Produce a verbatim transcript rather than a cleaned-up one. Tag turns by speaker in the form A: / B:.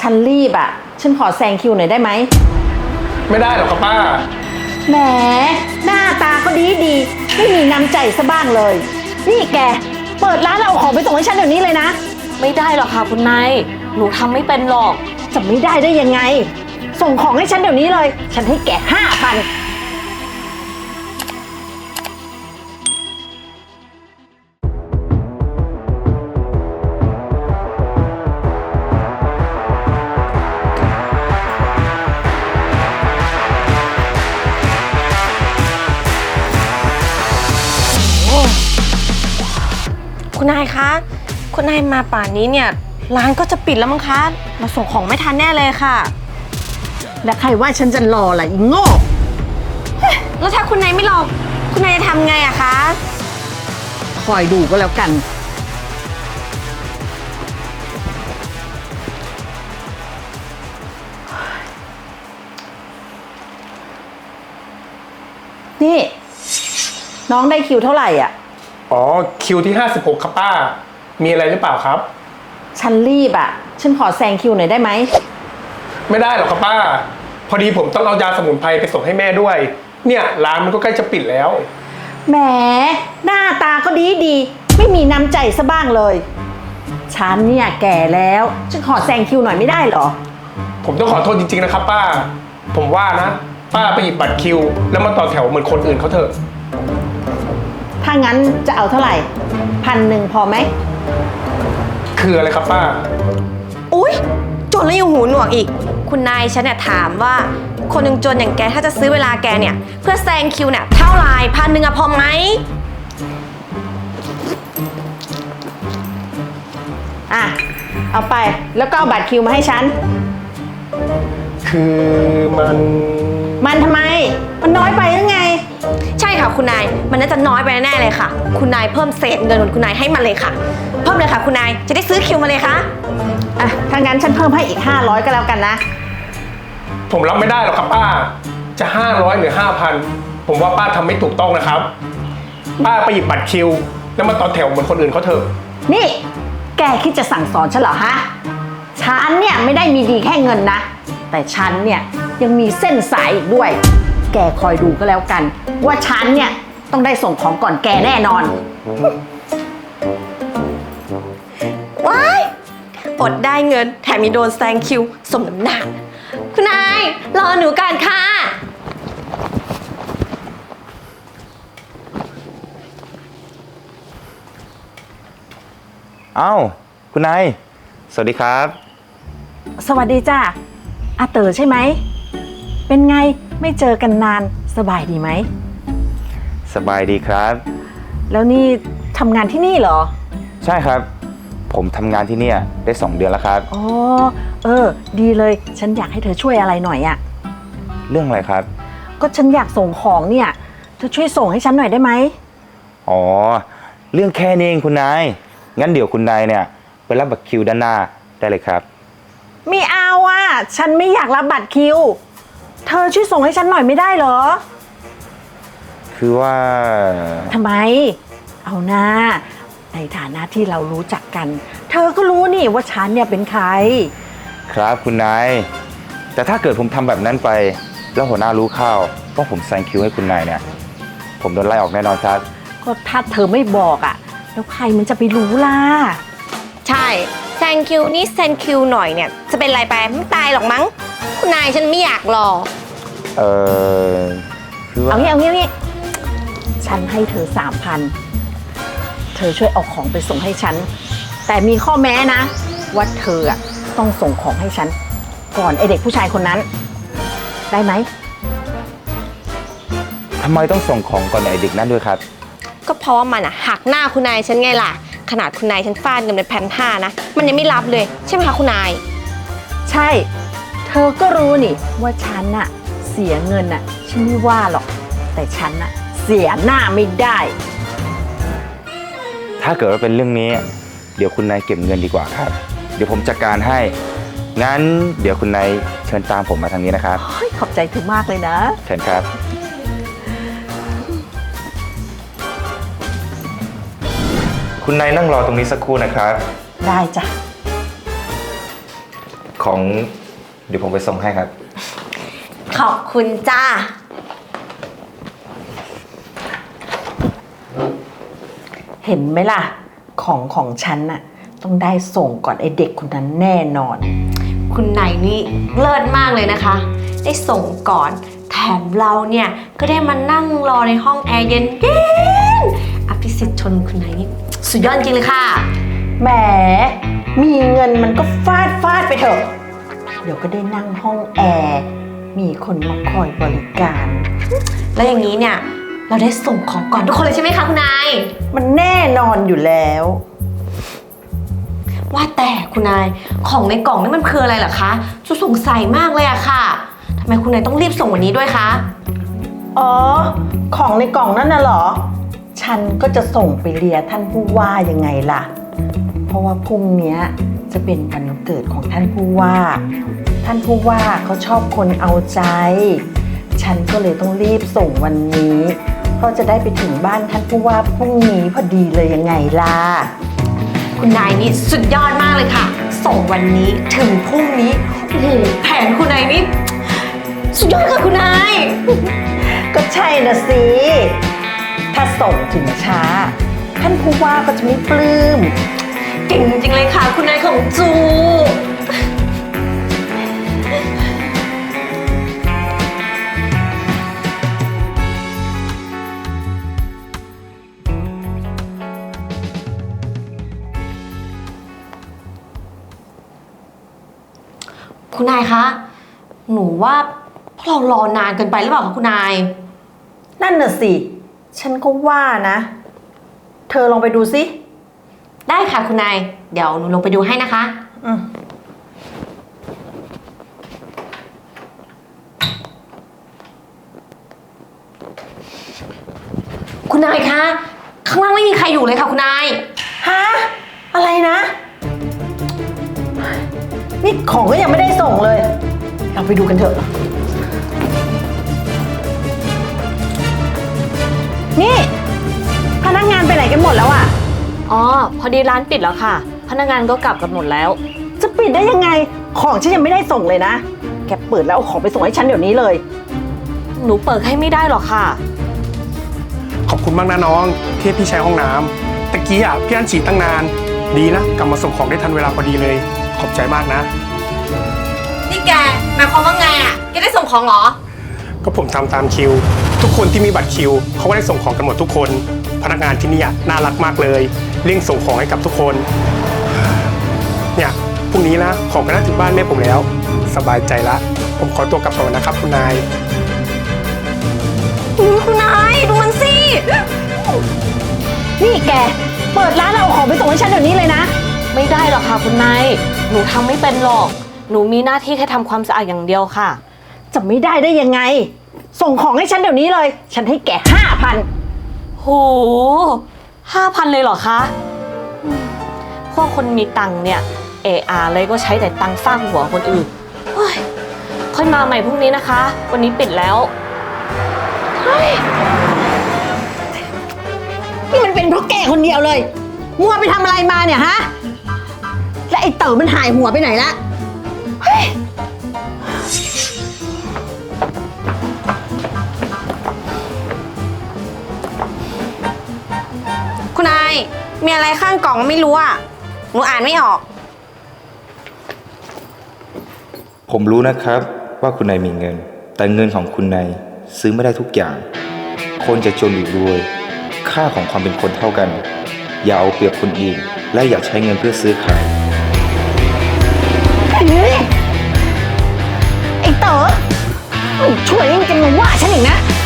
A: ฉันรีบอ่ะฉันขอแซงคิวหน่อยได้ไหม
B: ไม่ได้หรอกครับป้า
A: แหมหน้าตาก็ดีดีไม่มีน้ำใจซะบ้างเลยนี่แกเปิดร้านแล้วเอาของไปส่งให้ฉันเดี๋ยวนี้เลยนะ
C: ไม่ได้หรอกค่ะคุณนายหนูทำไม่เป็นหรอก
A: จะไม่ได้ได้ยังไงส่งของให้ฉันเดี๋ยวนี้เลยฉันให้แกห้าพัน
C: คุณนายคะคุณนายมาป่านนี้เนี่ยร้านก็จะปิดแล้วมั้งคะมาส่งของไม่ทันแน่เลยค่ะ
A: แล้วใครว่าฉันจะรอล่ะอีโง่
C: แล้วถ้าคุณนายไม่รอคุณนายจะทำไงอะคะ
A: คอยดูก็แล้วกันนี่น้องได้คิวเท่าไหร่อ่ะ
B: อ๋อคิวที่ห้าสิบหกครับป้ามีอะไรหรือเปล่าครับ
A: ฉันรีบอ่ะฉันขอแซงคิวหน่อยได้ไหม
B: ไม่ได้หรอกครับป้าพอดีผมต้องเอายาสมุนไพรไปส่งให้แม่ด้วยเนี่ยร้านมันก็ใกล้จะปิดแล้ว
A: แหมหน้าตาก็ดีดีไม่มีน้ำใจซะบ้างเลยฉันเนี่ยแก่แล้วฉันขอแซงคิวหน่อยไม่ได้เหรอ
B: ผมต้องขอโทษจริงๆนะครับป้าผมว่านะป้าไปหยิบบัตรคิวแล้วมาต่อแถวเหมือนคนอื่นเขาเถอะ
A: ถ้างั้นจะเอาเท่าไหร่พันหนึ่งพอไหม
B: คืออะไรครับป้า
C: อุ๊ยจนแล้วยังหูหนวกอีกคุณนายฉันเนี่ยถามว่าคนหนึ่งจนอย่างแกถ้าจะซื้อเวลาแกเนี่ยเพื่อแซงคิวเนี่ยเท่าไหร่พันหนึ่งอะพอไหม
A: อ่ะเอาไปแล้วก็เอาบัตรคิวมาให้ฉัน
B: คือมัน
A: มันทำไมมันน้อยไปหรือไง
C: ใช่ค่ะคุณนายมันน่าจะน้อยไปแน่เลยค่ะคุณนายเพิ่มเศษเงินของคุณนายให้มันเลยค่ะเพิ่มเลยค่ะคุณนายจะได้ซื้อคิวมาเลยค่ะ
A: อ่ะถ้างั้นฉันเพิ่มให้อีกห้าร้อยก็แล้วกันนะ
B: ผมรับไม่ได้หรอกครับป้าจะห้าร้อยหรือห้าพันผมว่าป้าทำไม่ถูกต้องนะครับป้าไปหยิบบัตรคิวแล้วมาต่อแถวเหมือนคนอื่นเขาเถอะ
A: นี่แกคิดจะสั่งสอนฉันเหรอฮะฉันเนี่ยไม่ได้มีดีแค่เงินนะแต่ฉันเนี่ยยังมีเส้นสายอีกด้วยแกคอยดูก็แล้วกันว่าฉันเนี่ยต้องได้ส่งของก่อนแกแน่นอน
C: ว้ายอดได้เงินแถมมีโดนแซงคิวสมน้ำหนักคุณนายรอหนูก่อนค่ะ
D: อ้าวคุณนายสวัสดีครับ
A: สวัสดีจ้าอาเต๋อใช่ไหมเป็นไงไม่เจอกันนานสบายดีไหม
D: สบายดีครับ
A: แล้วนี่ทำงานที่นี่เหรอ
D: ใช่ครับผมทำงานที่นี่ได้สองเดือนแล้วครับ
A: อ๋อเออดีเลยฉันอยากให้เธอช่วยอะไรหน่อยอะ
D: เรื่องอะไรครับ
A: ก็ฉันอยากส่งของเนี่ยเธอช่วยส่งให้ฉันหน่อยได้ไหม
D: อ๋อเรื่องแค่นี้เองคุณนายงั้นเดี๋ยวคุณนายเนี่ยไปรับบัตรคิวด้านหน้าได้เลยครับ
A: ไม่เอาอ่ะฉันไม่อยากรับบัตรคิวเธอช่วยส่งให้ฉันหน่อยไม่ได้เหรอ
D: คือว่า
A: ทำไมเอาหน้าในฐานะที่เรารู้จักกันเธอก็รู้นี่ว่าฉันเนี่ยเป็นใคร
D: ครับคุณนายแต่ถ้าเกิดผมทำแบบนั้นไปแล้วหัวหน้ารู้เข้าว่าผมแซงคิวให้คุณนายเนี่ยผมโดนไล่ออกแน่นอนครับ
A: ก็ถ้าเธอไม่บอกอ่ะแล้วใครมันจะไปรู้ล่ะ
C: ใช่แซงคิวนี่แซงคิวหน่อยเนี่ยจะเป็นไรไปไม่ตายหรอกมั้งคุณนายฉันไม่อยากรอ
D: เออคือว่า
A: เอางี้เอางี้เอางี้ฉันให้เธอสามพันเธอช่วยเอาของไปส่งให้ฉันแต่มีข้อแม้นะว่าเธอต้องส่งของให้ฉันก่อนไอเด็กผู้ชายคนนั้นได้ไหม
D: ทำไมต้องส่งของก่อนไอเด็กนั้นด้วยครับ
C: ก็เพราะว่ามันอะหักหน้าคุณนายฉันไงล่ะขนาดคุณนายฉันฟาดเงินเป็นแผ่นห้านะมันยังไม่รับเลยใช่ไหมคะคุณนาย
A: ใช่เธอก็รู้นี่ว่าฉันน่ะเสียเงินน่ะฉันไม่ว่าหรอกแต่ฉันน่ะเสียหน้าไม่ได้
D: ถ้าเกิดว่าเป็นเรื่องนี้เดี๋ยวคุณนายเก็บเงินดีกว่าครับเดี๋ยวผมจัดการให้งั้นเดี๋ยวคุณนายเชิญตามผมมาทางนี้นะครับ
A: ขอบใจเธอมากเลยนะ
D: เชิญครับคุณนายนั่งรอตรงนี้สักครู่นะครับ
A: ได้จ้ะ
D: ของเดี๋ยวผมไปส่งให้ครับ
C: ขอบคุณจ้า
A: เห็นไหมล่ะ ของของฉันน่ะต้องได้ส่งก่อนไอเด็กคนนั้นแน่นอน
C: คุณนายนี่เลิศมากเลยนะคะ ได้ส่งก่อน แถมเราเนี่ยก็ได้มานั่งรอในห้องแอร์เย็นเย็นอภิสิทธิ์ชนคุณนายนี่สุดยอดจริงเลยค่ะ
A: แหม มีเงินมันก็ฟาดฟาดไปเถอะ เดี๋ยวก็ได้นั่งห้องแอร์ มีคนมาคอยบริการ
C: แล้วอย่างนี้เนี่ยเราได้ส่งของก่อนทุกคนเลยใช่ไหมคะคุณนาย
A: มันแน่นอนอยู่แล้ว
C: ว่าแต่คุณนายของในกล่องนี่มันคืออะไรเหรอคะจุสงสัยมากเลยอะค่ะทำไมคุณนายต้องรีบส่งวันนี้ด้วยคะ
A: อ๋อ ของในกล่องนั่นน่ะเหรอ ฉันก็จะส่งไปเลียท่านผู้ว่ายังไงล่ะ เพราะว่าพรุ่งนี้จะเป็นวันเกิดของท่านผู้ว่า ท่านผู้ว่าเขาชอบคนเอาใจ ฉันก็เลยต้องรีบส่งวันนี้เพราะจะได้ไปถึงบ้านท่านผู้ว่าพรุ่งนี้พอดีเลยยังไงล่ะ
C: คุณนายนี่สุดยอดมากเลยค่ะ ส่งวันนี้ถึงพรุ่งนี้โอ้โหแผนคุณนายนี่สุดยอดค่ะคุณนาย
A: ก็ใช่นะสิ ถ้าส่งถึงช้า ท่านผู้ว่าก็จะไม่ปลื้ม
C: เก่งจริงๆเลยค่ะ คุณนายของจู คุณนายคะ หนูว่าพวกเรารอนานเกินไปหรือเปล่าคะคุณนาย
A: นั่นน่ะสิ ฉันก็ว่านะ เธอลองไปดูสิ
C: ได้ค่ะคุณนาย เดี๋ยวหนูลงไปดูให้นะคะ
A: อืม
C: คุณนายคะ ข้างล่างไม่มีใครอยู่เลยค่ะคุณนาย
A: ฮะ อะไรนะ นี่ของก็ยังไม่ได้ส่งเลย เราไปดูกันเถอะ นี่ พนักงานไปไหนกันหมดแล้วอะ
E: อ๋อ พอดีร้านปิดแล้วค่ะ พนักงานก็กลับกันหมดแล้ว
A: จะปิดได้ยังไง ของฉันยังไม่ได้ส่งเลยนะ แกเปิดแล้วเอาของไปส่งให้ฉันเดี๋ยวนี้เลย
E: หนูเปิดให้ไม่ได้หรอกค่ะ
B: ขอบคุณมากนะน้องที่ให้พี่ใช้ห้องน้ำตะกี้อ่ะพี่อันฉีดตั้งนาน ดีนะกลับมาส่งของได้ทันเวลาพอดีเลย ขอบใจมากนะ
C: นี่แกหมายความว่าไงอ่ะแกได้ส่งของเหรอ
B: ก็ผมทำตามคิว ทุกคนที่มีบัตรคิวเขาก็ได้ส่งของกันหมดทุกคน พนักงานที่นี่อะน่ารักมากเลยเร่งส่งของให้กับทุกคน เนี่ยพรุ่งนี้นะของก็น่าถึงบ้านแม่ผมแล้ว สบายใจละ ผมขอตัวกลับก่อนนะครับคุณนาย
C: คุณนายดูมันสิ
A: นี่แก เปิดร้านแล้วเอาของไปส่งให้ฉันเดี๋ยวนี้เลยนะ
E: ไม่ได้หรอกค่ะคุณนาย หนูทำไม่เป็นหรอก หนูมีหน้าที่แค่ทำความสะอาดอย่างเดียวค่ะ
A: จะไม่ได้ได้ยังไง ส่งของให้ฉันเดี๋ยวนี้เลย ฉันให้แกห้าพัน
E: โหห้าพันเลยเหรอคะอืมพวกคนมีตังค์เนี่ย เออาเลยก็ใช้แต่ตังค์ฟาดหัวคนอื่นเฮ้ยค่อยมาใหม่พรุ่งนี้นะคะ วันนี้ปิดแล้ว
A: นี่มันเป็นเพราะแกคนเดียวเลย มัวไปทำอะไรมาเนี่ยฮะ และไอ้เต๋อมันหายหัวไปไหนละเฮ้ย
C: คุณนายมีอะไรข้างกล่องไม่รู้อ่ะหนูอ่านไม่ออก
D: ผมรู้นะครับว่าคุณนายมีเงิน แต่เงินของคุณนายซื้อไม่ได้ทุกอย่าง คนจะจนหรือรวย ค่าของความเป็นคนเท่ากัน อย่าเอาเปรียบคนอื่น และอย่าใช้เงินเพื่อซื้อขาย
A: เฮ้ยไอ้เต๋อมันช่วยยังจะมาว่าฉันอีกนะ